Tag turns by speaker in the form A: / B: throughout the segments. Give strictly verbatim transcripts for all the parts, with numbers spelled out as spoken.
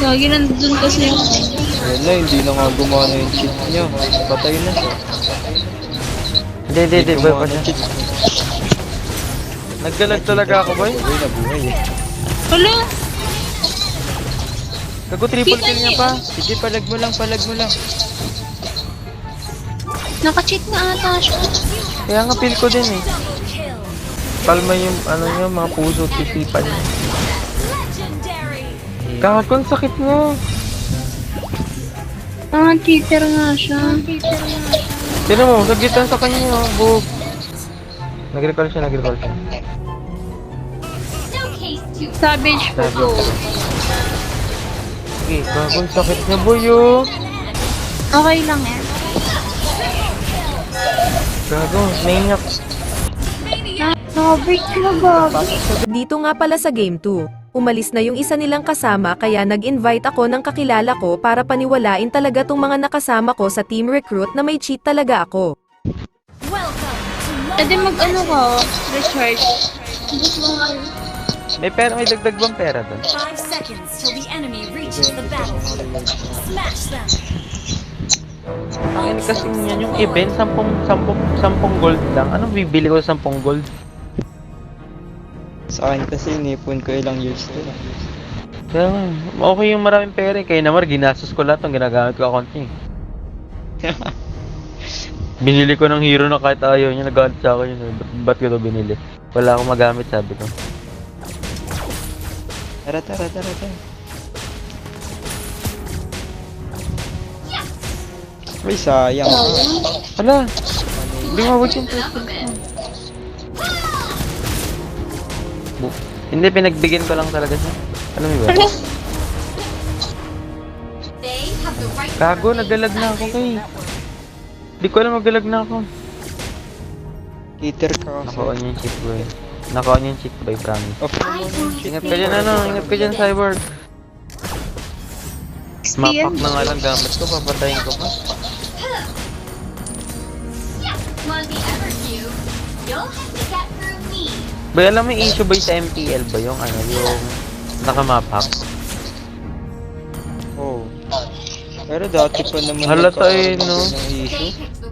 A: Lagi nandun kasi yung...
B: Wala, hindi na nga gumana yung cheat niya. Patay na siya.
C: Hindi, hindi, hindi. Boy pa
B: gumana
C: siya.
B: cheat.
C: Naggalag talaga ako, boy.
B: Boy, nabuhay eh.
A: Hala!
C: Kago triple kill niya pa.
B: Sige, palag mo lang, palag mo lang.
A: Naka-cheat na ata siya.
C: Kaya nga feel ko din eh. Palma yung ano niya, mga puso at isipan niya. Gago, ang sakit nga.
A: Ah, cheater nga siya. Cheater nga siya.
C: Sino mo, sagitan sa kanya, oh, bug. Nag-recall siya, nag-recall siya.
A: Savage po po.
C: Okay, gago, ang sakit niya, boy, oh.
A: Okay lang yan.
C: Gago, maniac.
A: Nakabreak na ba?
D: Dito nga pala sa Game two, umalis na yung isa nilang kasama kaya nag-invite ako ng kakilala ko para paniwalain talaga tong mga nakasama ko sa team recruit na may cheat talaga ako.
A: Pwede mag-ano ka, recharge.
C: May pera, may dagdag bang pera doon?
E: Five seconds till the enemy reaches the battlefield. Smash them!
C: Ang ini kasi niyan yung event, sampung, sampung, sampung gold lang. Anong bibili ko sa sampung gold?
B: Sa akin kasi inipon ko ilang years din.
C: Kaya nga, okay yung maraming pera eh. Kaya naman, ginastos ko lahat ng ginagamit ko account niya eh. Binili ko ng hero na kahit ayaw niya, nagalit sa akin yun. Ba't, ba't ko ito binili? Wala akong magamit, sabi ko.
B: Tara, tara, tara, tara. Ay, sayang ah.
C: Hala! Hindi mawag yung first kill ko. Bu- Hindi, pinagbigyan ko lang talaga siya. Alam mo ba? Gago, nagalag na ako kay. Hindi ko alam, nagalag na ako.
B: Cheater ka kasi.
C: Naka-on yung cheat boy. Naka-on yung cheat boy, promise.
B: Off mo muna yung cheat.
C: Ingat ka dyan, ano? Ingat ka dyan, cyborg. Mapak na nga lang gamit ko, papatayin ko pa. Ba, alam mo yung issue ba sa M P L ba yung ano, yung nakamapak?
B: Oh. Pero dati pa naman
C: Halata eh,
B: nagkakaroon
C: no?
B: ng issue.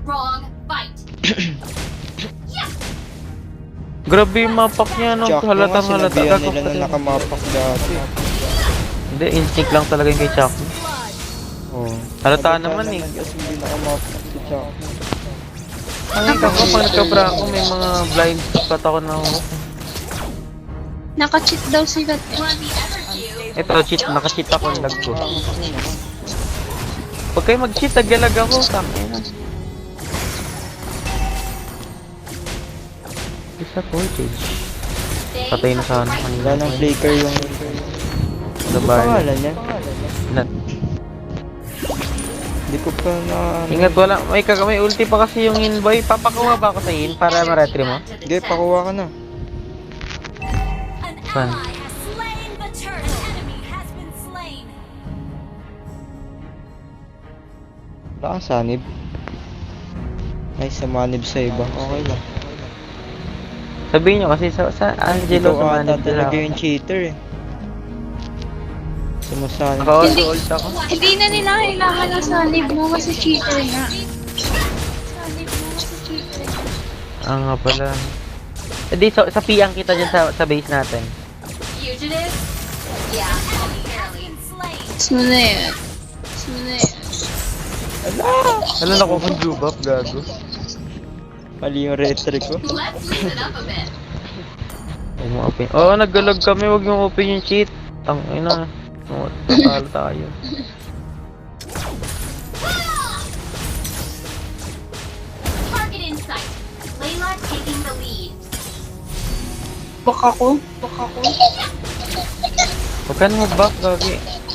C: Grabe yung mapak niya, no?
B: Chuck
C: Halatang
B: nga,
C: halata.
B: sinabihan
C: Gagawin
B: nila
C: ko
B: na nakamapak dati.
C: Hindi, instinct lang talaga yung kay Chuck.
B: Oh.
C: Halata naman eh.
B: Kasi hindi nakamapak si Chuck.
C: Ay, kako, pag nagkabra ako, may mga blind spot ako na ako.
A: Naka-cheat daw sila.
C: Ito, cheat, naka-cheat ako, lag ko. Huwag kayo mag-cheat, naglalag ako, sakin na. Isa voltage. Patay na sana kanina.
B: Wala nang flicker yung... Ano
C: Labar.
B: pangalan niya?
C: Na,
B: Hindi ko pa na...
C: ingat, wala. May kag may ulti pa kasi yung in boy. Papakuha ba ako sa in para ma-retry mo?
B: Sige, pakuha ka na.
E: An
C: Saan?
E: ally has slain the turtle. An enemy has been slain.
B: Wala kang sanib. Ay, samanib sa iba. Okay lang.
C: Sabihin nyo kasi sa, sa Angelo
B: Ito
C: sa
B: ata
C: manid
B: talaga
C: nila.
B: yung cheater eh. Sumasanib.
C: Naka-ult ako.
A: Hindi na nila kailangan ng sanib mo kasi cheater na. Sanib mo kasi cheater.
C: Ah nga pala. Eh di, so, sa piyang kita dyan sa, sa base natin.
E: Fugitive? Yeah, enemy has been slain.
A: Sino yan? Sino yan?
C: Alam na ko kung jubap, gago.
B: Mali yung retry ko.
E: Let's loosen up a bit.
C: Huwag mo open. Oo, oh, naggalag kami. Huwag yung open yung cheat. Ang ina. Oh, tatalo tayo.
E: Target in sight. Layla taking the lead.
A: Baka ko? Baka ko?
C: Huwag ka na mag-back, gagi.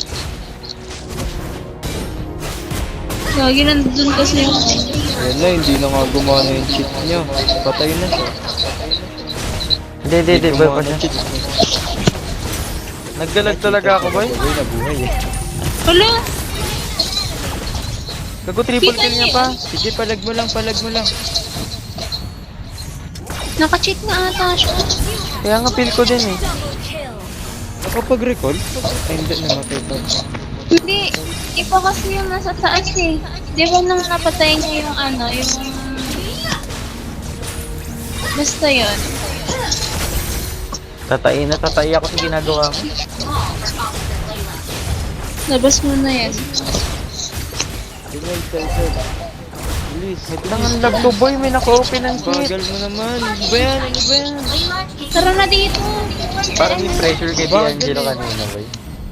A: Lagi nandun kasi yung...
B: Yan na, hindi na nga gumana yung cheat niya. Patay na siya.
C: Hindi, hindi, hindi. Boy pa
B: gumana
C: siya.
B: cheat.
C: Naggalag talaga ako, boy.
B: Boy, nabuhay eh.
A: Hala!
C: Gago, triple kill niya pa.
B: Sige, palag mo lang, palag mo lang.
A: Naka-cheat na ata siya.
C: Kaya nga feel ko din eh.
E: Double kill.
B: Nakapag-recall? Ay, hindi, namatay pa.
A: Hindi, iba kasi yung nasa taas eh. Di ba nung napatay niya yung ano, yung... Basta yun.
C: Tatay na tatay ako sa ginagawa ko.
A: Labas mo na yan.
B: Tingnan, Telcel. Bilis.
C: Tangan lag to boy, may naka-open ng kit.
B: Bagal mo naman. Ano ba yan? Ano ba yan?
A: Tara na dito.
C: Parang may pressure kay D'Angelo kanina boy.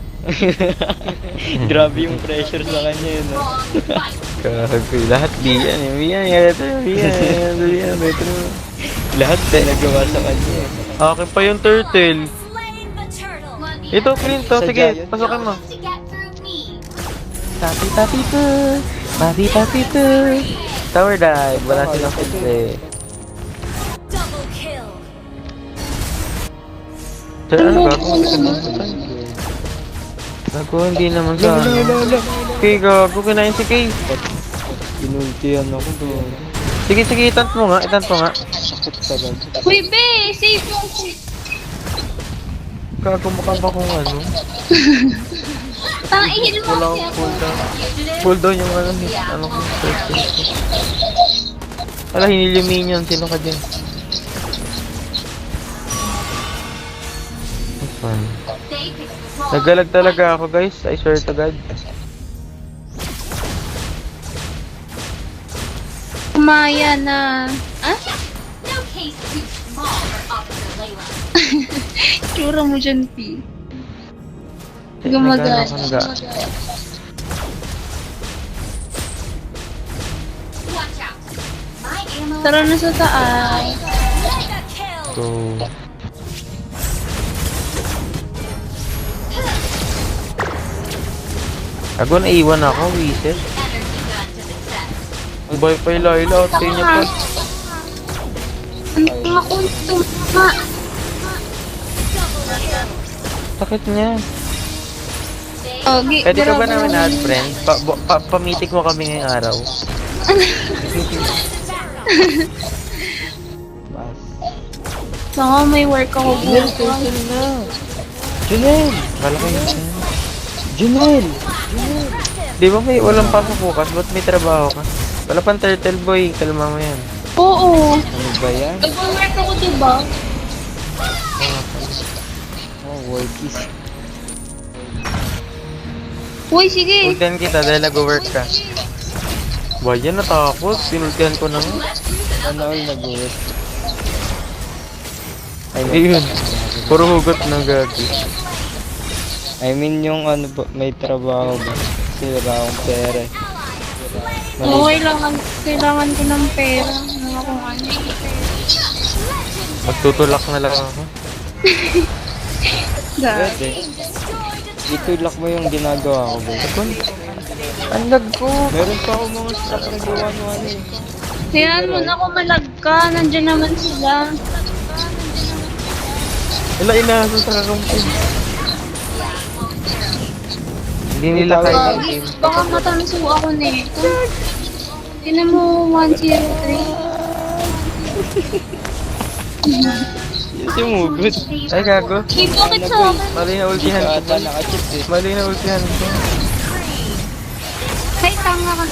B: Grabe yung pressure sa kanya yun, no?
C: Kagagoy, lahat di yan eh. Di yan, ito, di yan, di yan, ito.
B: Lahat na nagawa sa kanya. eh.
C: Okay pa yung turtle.
E: Slain the turtle.
C: Ito, clean to.
B: Sa
C: Sige,
B: giant.
C: pasukin mo.
E: To get through me.
C: Tapi, tapi, to. Tapi, tapi, to. Tower dive. Wala silang filtre.
E: Double kill.
C: Sir, ano gago? Gago, hindi naman sa
B: Wala, wala,
C: ano.
B: wala.
C: Okay, gago, kinain si Kay.
B: Inultihan ako doon.
C: Sige, sige, itant mo nga, itant mo nga.
B: Sakit talaga.
A: Uy, be! Save yung...
C: Gago, mukha ba kung ano?
A: Tang ihil mo
C: Wala
A: kasi
C: akong
A: ako.
C: cooldown. Cooldown yung ano, ano ko, first kill ko. Wala, hinil yung minion. Sino ka dyan? That's fun. Nagalag talaga ako, guys. I swear to God.
A: Kumaya na... Ah?
E: No case too small for Officer Layla.
A: Tsura mo dyan, P.
C: Eh,
A: Gumagal.
C: nagano ako, naga-
E: Watch out. My ammo.
A: Tara na sa taas.
E: Mega kill.
C: So, Ako naiwan ako, Weezer.
E: Energy gun to the chest.
C: Ang boy pa yung Laila, out sa inyo pa.
A: Ang mga kunto, ma.
E: Double kill.
C: Sakit niya.
A: Oh, gi-
C: Pwede ka ba
A: grabe
C: namin
A: naman.
C: add friend? Pa, bu- pa, pamitik mo kami ngayong araw.
B: Mas.
A: Baka may work ako
B: Junel,
A: bukas.
B: Telcel na. Junel!
C: Kala ko yun.
B: Junel!
C: Di ba may walang pasok bukas? Ba't may trabaho ka? Wala pang turtle boy, kalma mo yan.
A: Oo.
B: Ano ba yan?
A: Nag-work ako, diba?
B: Oh, workies.
A: Uy, sige.
C: Ultihan kita dahil nag-work ka. Ba yan, natakot. Sinultihan ko na nga.
B: Ano all nag-work? I
C: Ayun. Puro hugot ng gagi.
B: I mean yung ano ba, may trabaho ba? Kasi wala akong pera. eh.
A: Oo, kailangan, kailangan ko ng pera. Mga kung ano.
C: Magtutulak na lang ako.
A: Dahil.
B: Pwede. Itulak mo yung ginagawa ko ba?
C: Ang lag ko.
B: Meron pa ako mga stock na gawa no ano eh.
A: Kailangan mo na kumalag ka. Nandiyan naman sila.
C: Wala inaso sa karumpin. Hindi nila kaya yung
A: Baka,
C: game.
A: baka matanso ako nito. Tinan mo, one zero three.
B: Yung sumugot.
C: Ay gago.
A: Hey, bakit sa akin?
C: Mali na ultihan ko.
B: Ata nakachip eh.
C: Mali na ultihan ko.
A: Ay, tanga ka.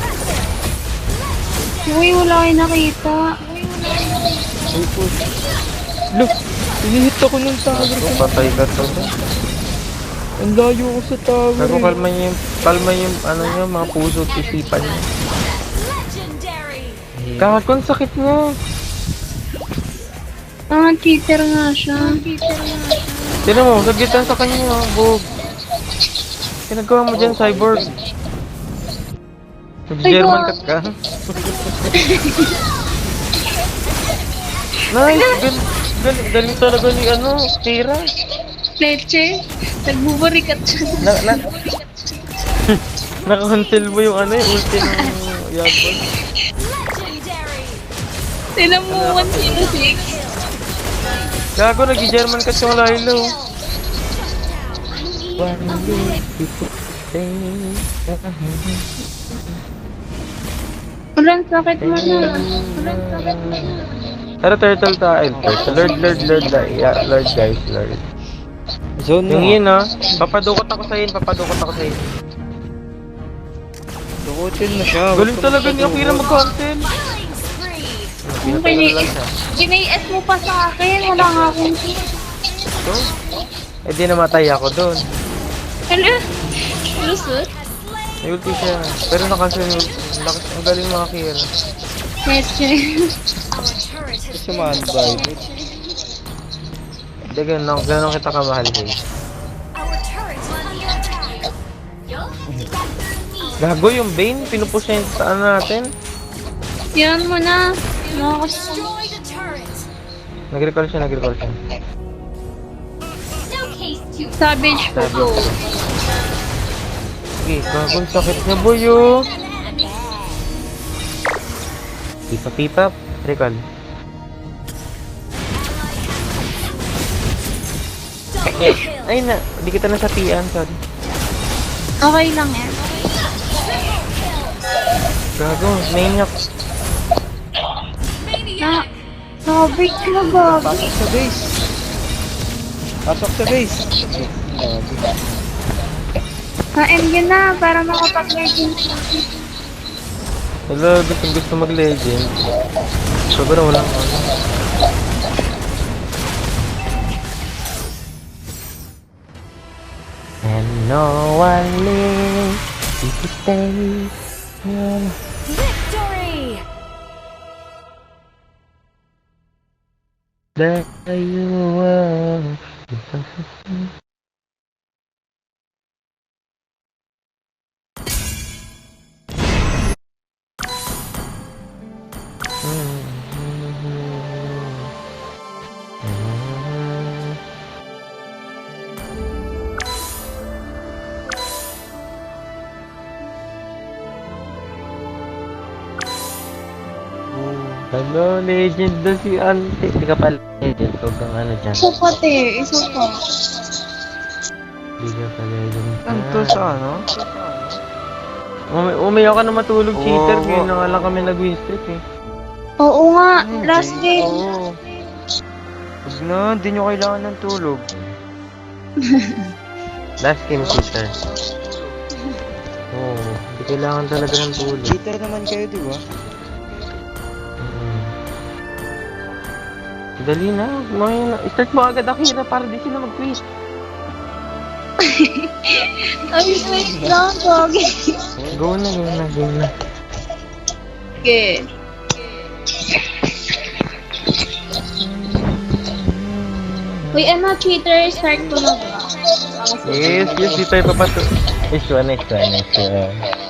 A: Uy, wala kayo nakita.
B: Ay po. Look! Inihit ako ng tower
C: Gago,
B: ko.
C: patay ka to.
B: Ang layo ko sa tower
C: Gago,
B: eh.
C: kalma niyo yung, kalma yung, ano niyo, mga puso at isipan niyo.
E: Legendary.
C: Gago, ang sakit niya.
A: Ah, cheater nga siya. Cheater nga siya.
C: Sino mo, sagitan sa kanya, bug. Pinagawa mo dyan, cyborg. Nag-German cut ka. Nice! Gal gal galing talaga ni ano, Tira.
A: Leche, nagbubarikat siya.
C: Na, na, naka-cancel mo yung ano, yung ulti ng Yabon.
E: Legendary.
A: Tinan mo, one zero six.
C: Gago, nag-German cut yung Lilo.
A: Walang sakit mo na. Walang sakit mo na.
C: Tara, turtle tayo. Turtle. Lord, Lord, Lord, Lord, yeah, Lord guys, Lord.
B: Zone
C: Yung
B: mo.
C: yun ah. Papadukot ako sa yun, papadukot ako sa yun.
B: Dukutin mo siya.
C: Galing
B: Huwag ka
C: talaga ni Akira
B: magpadukot.
C: mag-content.
E: Killing spree.
C: Pinatagal lang siya.
A: Ginay-S mo pa sa akin. Wala nga akong kill.
C: So, eh di namatay ako doon.
A: Ano? Lusot?
C: May ulti siya. Pero nakansel yung ulti. Ang lakas- Ang galing mga Akira.
A: Meche.
E: Our turret has
B: Kasi man-bite.
C: Hindi, ganun, ganun kita kamahal guys.
E: Our turret is under attack.
C: Gago yung Bane, pinupush niya yung ano natin.
A: Yan mo na. Nakakas...
E: Destroy the turret.
C: Nag-recall siya, nag-recall siya.
A: Savage po
C: Sabi
A: po.
C: ko. Sige, gago, sakit na boy oh. Pipa, pipa, recall.
E: Double kill.
C: Ay na, di kita nasapian, sorry.
A: Okay lang yan.
C: Gago, maniac.
A: Na... Nakabreak na ba?
B: Pasok sa base. Pasok sa base. Grabe.
A: Na-end yun na para makapag-legend.
C: Hello, gustong gusto mag-legend. Sobrang walang ano. And no one lives to stay.
E: Victory.
C: There you are. Hello, legend na si Ante. Hindi ka pala legend. Huwag kang ano dyan.
A: Isa pati. Isa pa.
C: Hindi ka pa legend.
B: Ano sa ano?
C: Umi umiyak ka na matulog,
B: Oo,
C: cheater.
B: oo.
C: Ngayon na nga lang kami nag-win streak eh.
A: Oo nga. Last game.
B: Oo. Huwag na, hindi nyo kailangan ng tulog.
C: Last game, cheater. Oo, oh, hindi kailangan talaga ng tulog.
B: Cheater naman kayo, di ba?
C: Mm. Dali na, kumain na. Start mo agad Akira para di sila mag-quit.
A: Ay, wait lang. Pogi.
C: Go na, go na, go na.
A: Okay. Uy, ano, cheater, start ko na ba?
C: Yes, yes, di tayo papato. Nice one, nice one, nice one.